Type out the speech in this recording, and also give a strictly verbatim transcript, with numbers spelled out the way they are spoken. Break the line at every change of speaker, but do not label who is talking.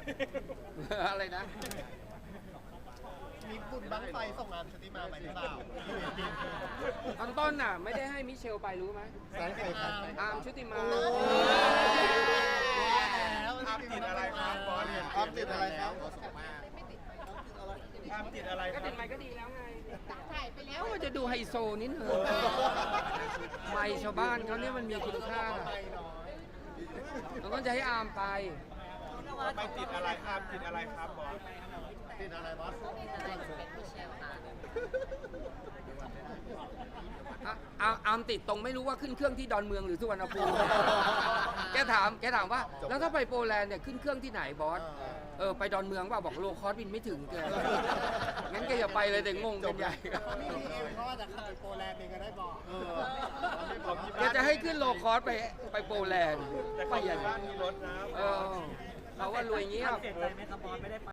อะไรนะ
มีบุญบั้งไฟส่งงานชุติมาไปหรือเปล่า
ตอนต้นน่ะไม่ได้ให้มิเชลไปรู้ไหม
สายไฟพัน
อาร์มชุติมา
แล้วอาร์มติดอะไรครับบอสอาร์มติดอะไรครับ
อาร์มติดอะไรค
ก็
รับ
ติดไมค์ก็ดีแล้วไง
ถ่ายไปแล้ว
ก็จะดูไฮโซนิดนึงไมค์ชาวบ้านเขาเนี่ยมันมีคุณค่าเราต้องจะให้อาร์มไป
ไม่ติดอะไรอาร์มติดอะไรครับบอส
ติดอะไรบอส
เป็นมิเชลค่ะ
อ่ะอาอาร์มติดตรงไม่รู้ว่าขึ้นเครื่องที่ดอนเมืองหรือสุวรรณภูมิ แกถามแกถามว่า แล้วถ้าไปโปแลนด์เนี่ยขึ้นเครื่องที่ไหนบอส เออไปดอนเมืองว่าบอกโลคอสบินไม่ถึงแก งั้นแกอย่าไปเลยแต่งงกันใหญ่
นี่เองเขาว่าจะขับไปโปแลนด์เองก็ได้บอก
แกจะให้ขึ้นโลคอสไปไปโปแลนด์
แต่
ไป
คน
ใหญ่
บ้านมีรถนะ
เออเขาว่ารวยเงี้ยบ
เสียใจไหมครับบอสไม่ได้ไป